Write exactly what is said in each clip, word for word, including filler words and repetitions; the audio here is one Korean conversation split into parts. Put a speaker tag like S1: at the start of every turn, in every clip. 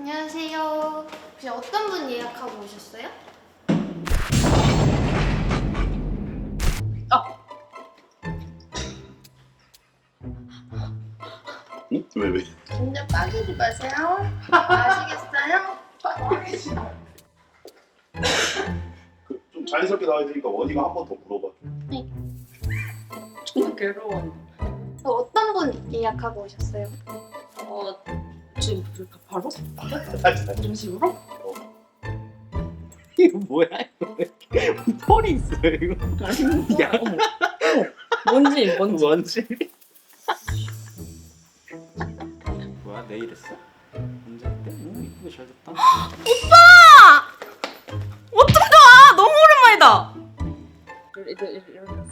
S1: 안녕하세요. 혹시 어떤 분 예약하고 오셨어요?
S2: 아!
S3: 응? 왜 왜?
S2: 진짜 빠지지 마세요. 아시겠어요?
S3: 그, 좀 자연스럽게 나와야 되니까 원희가 한 번 더 물어봐.
S2: 정말 괴로워.
S1: 어, 어떤 분 예약하고 오셨어요?
S2: 어, 지금 그럴까 바로?
S3: 다시
S2: 이런 식으로?
S4: 이거 뭐야 이거 털이 있어 이거
S2: 야, 어머. 뭔지 뭔지.
S4: 뭔지 뭐야 내일 했어? 언제 했대? 오 이쁘게 잘 됐다
S5: 어떡하! 너무 오랜만이다.
S2: 이런 이런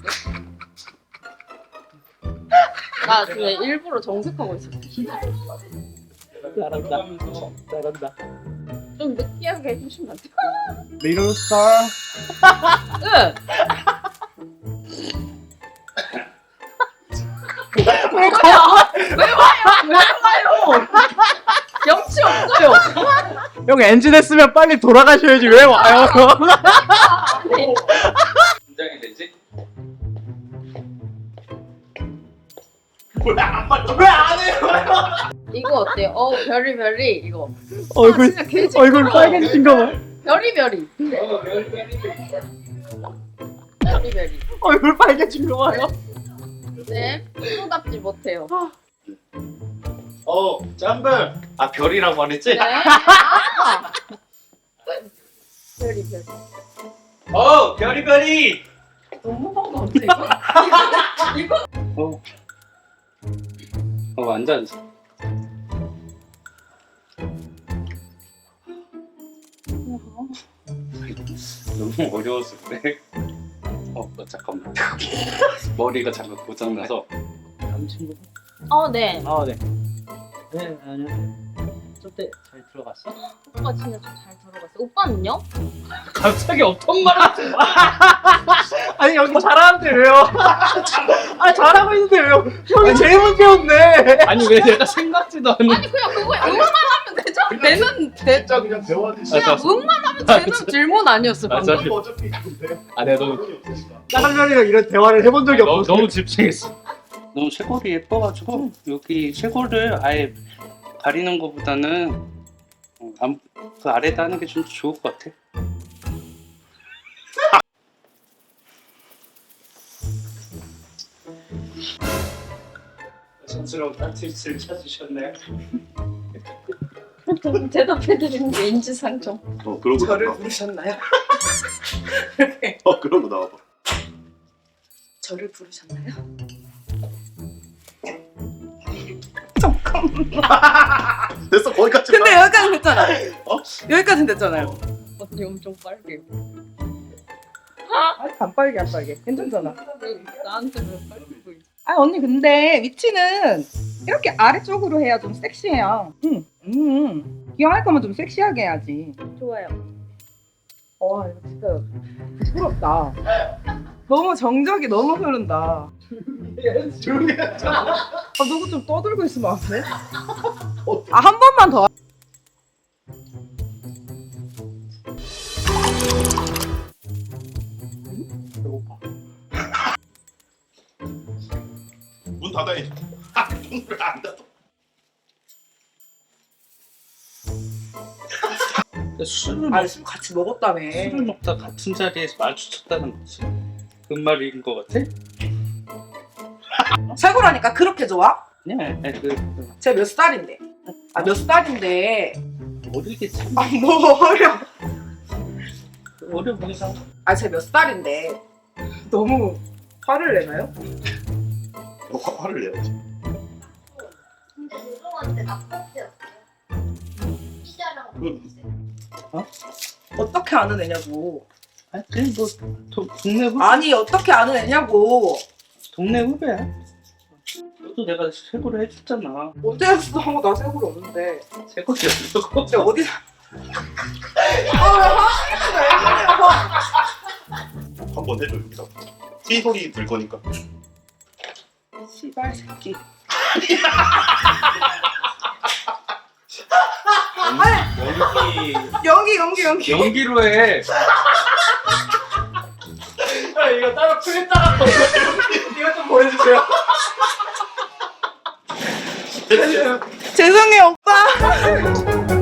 S2: 나 그냥 일부러 정색하고 있었어.
S4: 잘한다 잘한다
S2: 좀 느끼하게 해주시면 안 돼요?
S4: 리로 스타
S2: 응. 왜 와요? 왜 와요? 왜 와요? 염치 없어요.
S4: 형 엔진 했으면 빨리 돌아가셔야지 왜 와요 긴장이 되지? 왜안 해요?
S2: 이거 어때요? 어 별이 별이 이거.
S4: 얼굴
S2: 아, 진짜 개
S4: 얼굴 빨개진 거 봐.
S2: 별이 별이. 별이 별이.
S4: 얼굴 빨개진 거 봐요.
S2: 네, 프로답지 못해요.
S4: 어 짬ber. 아 별이라고 말했지?
S2: 네. 아! 별이 별이.
S4: 어 별이별이.
S2: 너무 반가운데 이거? 이거?
S4: 어. 어 앉아 앉아. 너무 어려웠을 때. 어, 어 잠깐만. 머리가 잠깐 고장나서. 다음 친구.
S2: 어, 네.
S4: 아 네. 네 안녕하세요. 저때 잘 들어갔어?
S2: 오빠 진짜 좀 잘 들어갔어. 오빠는요?
S4: 갑자기 어떤 말을 하지 마. 아니 여기 잘하는데 왜요? 아 잘하고 있는데 왜요? 형이 제일 문제였네. 아니 왜 내가 생각지도 않는.
S2: 아니 그냥 그거 응원만 하면 되죠. 되는 되
S3: 진짜 그냥 대화하듯이.
S2: 그냥 응만 하면 되는 질문 아니었어
S4: 아,
S2: 방금.
S4: 저기-
S3: 어차피 근데
S4: 아 내가 너무
S3: 돈이 없으니까.
S4: 다른 년이랑 이런 대화를 해본 적이 없어. 너무, 너무 집중했어. 너무 쇄골이 예뻐가지고 여기 쇄골을 아예 가리는 것보다는 어, 안- 그 아래다 하는 게 좀 좋을 것 같아. 여성스러운 아티스트를 찾으셨나요?
S2: 대답해드리는 게 인지상정.
S3: 어 그러고
S5: 저를
S3: 나와.
S5: 부르셨나요?
S3: 어 그러고 나와봐.
S5: 저를 부르셨나요?
S3: 됐어 거기까지.
S5: 근데 여기까지 됐잖아.
S3: 어?
S5: 여기까지 됐잖아요.
S2: 언니 엄청 빨개.
S5: 아니 안 빨개 안 빨개. 괜찮잖아.
S2: 나한테 왜 빨개 보이지?
S5: 아 언니 근데 위치는 이렇게 아래쪽으로 해야 좀 섹시해요. 응. 음. 기왕할 거면 좀 섹시하게 해야지.
S2: 좋아요.
S5: 와 이거 진짜 부끄럽다. 너무 정적이 너무 흐른다.
S3: 조용히 해.
S5: 아 누구 좀 떠들고 있으면 안 돼? 아 한 번만 더.
S4: 배고파.
S3: 문 닫아야지. 아 문을 안 닫아.
S4: 술을
S5: 아 술 같이 먹었다며.
S4: 술을 먹다 같은 자리에서 마주쳤다는 거지. 그 말인 것 같아?
S5: 최고라니까 그렇게 좋아?
S4: 네, 네, 그, 그
S5: 쟤 몇 살인데? 아 몇 살인데?
S4: 어리겠지.
S5: 아뭐 어려.
S4: 어려 보이잖아.
S5: 아 쟤 몇 살인데? 너무 화를 내나요?
S3: 너 화, 화를 내야지.
S1: 근데 죄송한데 낙서였어요. 피자랑
S3: 그-
S5: 어떻게 아는 애냐고.
S4: 아니, 그냥 뭐 도, 동네 후배.
S5: 아니 어떻게 아는 애냐고.
S4: 동네 후배야. 너도 내가 세고를 해줬잖아.
S5: 언제 했어? 나 세골이 없는데.
S4: 세고였어.
S5: 쟤 어디서? 아
S3: 한번 해줘 여기서. 티 소리 들 거니까.
S5: 씨발 새끼.
S4: 아니,
S5: 연기 연기 연기.
S4: 연기로 해.
S6: 아, 이거 따로 프린트하라. 이거 좀 보내주세요.
S5: 죄송해요 오빠.